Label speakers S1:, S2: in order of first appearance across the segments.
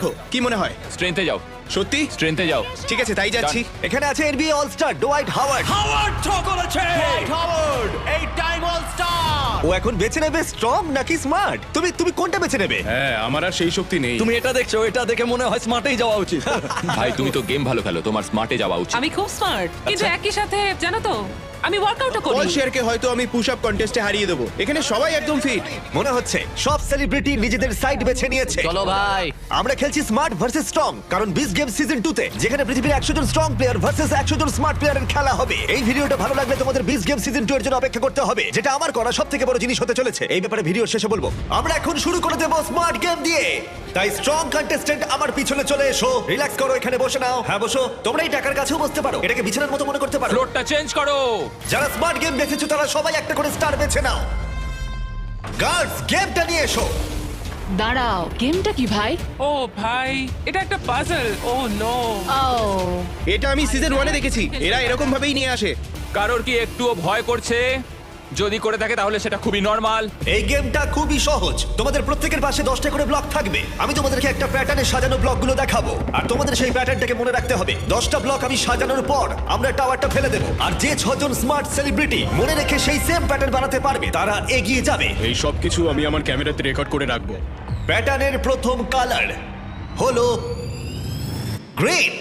S1: কি মনে হয়?
S2: স্ট্রেংথে যাও,
S1: সত্যি?
S2: স্ট্রেংথে যাও।
S1: ঠিক আছে, তাই যাচ্ছি।
S3: এখানে আছে NBA all star Dwight Howard.
S2: Howard throw করেছে।
S3: হাওয়ার্ড এই টাইম অল স্টার। ও এখন বেছে নেবে স্ট্রং নাকি স্মার্ট? তুমি কোনটা বেছে নেবে?
S1: হ্যাঁ, আমার আর সেই শক্তি নেই।
S4: তুমি এটা দেখছো, এটা দেখে মনে হয় স্মার্টেই যাওয়া উচিত।
S2: ভাই তুমি তো গেম ভালো খেলো, তোমার স্মার্টে যাওয়া উচিত।
S5: আমি খুব স্মার্ট কিন্তু একই সাথে জানো তো আমি ওয়ার্কআউটও
S1: পল
S5: করি।
S1: শেয়ারকে হয়তো আমি পুশ আপ কন্টেস্টে হারিয়ে দেবো। এখানে সবাই একদম ফিট।
S3: মনে হচ্ছে সব সেলিব্রিটি নিজেদের সাইড বেছে নিয়েছে।
S4: চলো ভাই।
S3: আমরা খেলছি স্মার্ট ভার্সেস স্ট্রং, কারণ বিস গেম সিজন 2 তে যেখানে পৃথিবীর 100 জন স্ট্রং প্লেয়ার ভার্সেস 100 জন স্মার্ট প্লেয়ারের খেলা হবে। এই ভিডিওটা ভালো লাগলে তোমাদের বিস গেম সিজন 2 এর জন্য অপেক্ষা করতে হবে, যেটা আমার করা সবথেকে বড় জিনিস হতে চলেছে। এই ব্যাপারে ভিডিও শেষে বলবো। আমরা এখন শুরু করে দেব স্মার্ট গেম দিয়ে। তাই স্ট্রং কন্টেস্ট্যান্ট আমার পিছনে চলে এসো। রিল্যাক্স করো, এখানে বসে নাও। হ্যাঁ বসো। তোমরা এই টাকার কাছেও বসতে পারো, এটাকে বিছানার মতো মনে করতে পারো।
S2: ফ্লোরটা চেঞ্জ করো।
S3: যারা স্মার্ট গেম বেছেছো তারা সবাই একটা করে স্টার বেছে নাও। গার্ডস, গেমটা নিয়ে এসো।
S5: দাঁড়াও, গেমটা কি ভাই?
S6: ও ভাই, এটা একটা পাজল। ও নো।
S5: ও
S1: এটা আমি সিজন 1 এ দেখেছি। এরা এরকম ভাবেই নিয়ে আসে।
S2: কারোর কি একটুও ভয় করছে? যদি করে থাকে তাহলে সেটা খুবই নরমাল।
S3: এই গেমটা খুবই সহজ। তোমাদের প্রত্যেকের পাশে 10টা করে ব্লক থাকবে। আমি তোমাদেরকে একটা প্যাটার্নে সাজানো ব্লকগুলো দেখাবো, আর তোমাদের সেই প্যাটার্নটাকে মনে রাখতে হবে। 10টা ব্লক আমি সাজানোর পর আমরা টাওয়ারটা ফেলে দেবো, আর যে 6 জন স্মার্ট সেলিব্রিটি মনে রেখে সেই সেম প্যাটার্ন বানাতে পারবে তারা এগিয়ে যাবে।
S1: এই সব কিছু আমি আমার ক্যামেরাতে রেকর্ড করে রাখবো।
S3: প্যাটার্নের প্রথম কালার হলো গ্রিন।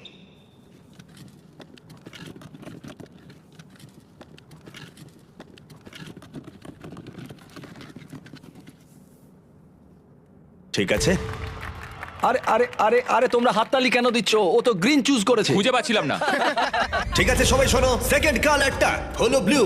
S3: ঠিক আছে,
S4: আরে আরে আরে আরে তোমরা হাততালি কেন দিচ্ছ? ও তো গ্রিন চুজ করেছে।
S2: খুঁজে পাচ্ছিলাম না।
S3: ঠিক আছে সবাই শোনো। সেকেন্ড কালারটা হলো ব্লু,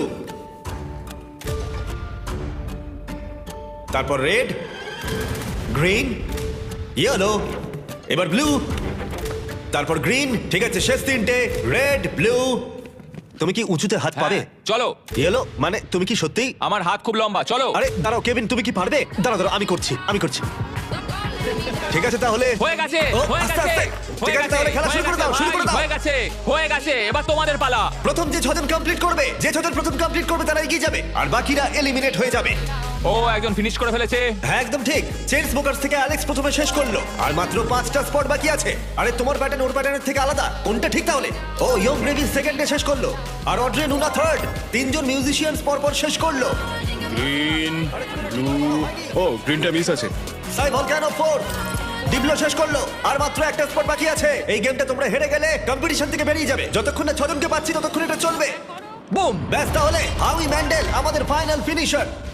S3: তারপর রেড, গ্রিন, ইয়েলো, এবার ব্লু, তারপর গ্রিন। ঠিক আছে, শেষ তিনটে রেড, ব্লু। তুমি কি উঁচুতে হাত পাবে?
S2: হ্যাঁ, চলো।
S3: ইয়েলো মানে তুমি কি সত্যি?
S2: আমার হাত খুব লম্বা, চলো।
S3: আরে দাঁড়াও কেভিন, তুমি কি পারবে? দাঁড়াও দাঁড়াও, আমি করছি। ঠিক আছে তাহলে
S2: হয়ে গেছে,
S3: ও,
S2: হয়ে
S3: আস্তে
S2: গেছে।
S3: আস্তে। ঠিক আছে তাহলে খেলা শুরু করে দাও, শুরু করে দাও।
S2: হয়ে গেছে, এবার তোমাদের পালা।
S3: প্রথম যে 6 জন কমপ্লিট করবে, প্রথম কমপ্লিট করবে তারা এগিয়ে যাবে, আর বাকিরা এলিমিনেট হয়ে যাবে।
S2: ও একজন ফিনিশ করে ফেলেছে।
S3: হ্যাঁ একদম ঠিক। চেন স্মোকার্স থেকে অ্যালেক্স প্রথমে শেষ করলো, আর মাত্র 5টা স্পট বাকি আছে। আরে তোমার প্যাটার্ন ওর প্যাটার্নের থেকে আলাদা, কোনটা ঠিক তাহলে? ও ইয়ং গ্রেভি সেকেন্ডে শেষ করলো, আর অড্রে নুনা থার্ড। 3 জন মিউজিশিয়ানস পরপর শেষ করলো।
S1: গ্রিন, ব্লু, ও গ্রিনটা মিস আছে।
S3: সাই ভলকানো ফোর্থ। ডিবলো শেষ করলো, আর মাত্র একটা স্পট বাকি আছে। এই গেমটা তোমরা হেরে গেলে কম্পিটিশন থেকে বেরিয়ে যাবে। যতক্ষণ না 6 জনকে পাচ্ছি ততক্ষণ এটা চলবে।
S4: বুম।
S3: ব্যাস, তাহলে হাউই ম্যান্ডেল আমাদের ফাইনাল ফিনিশার।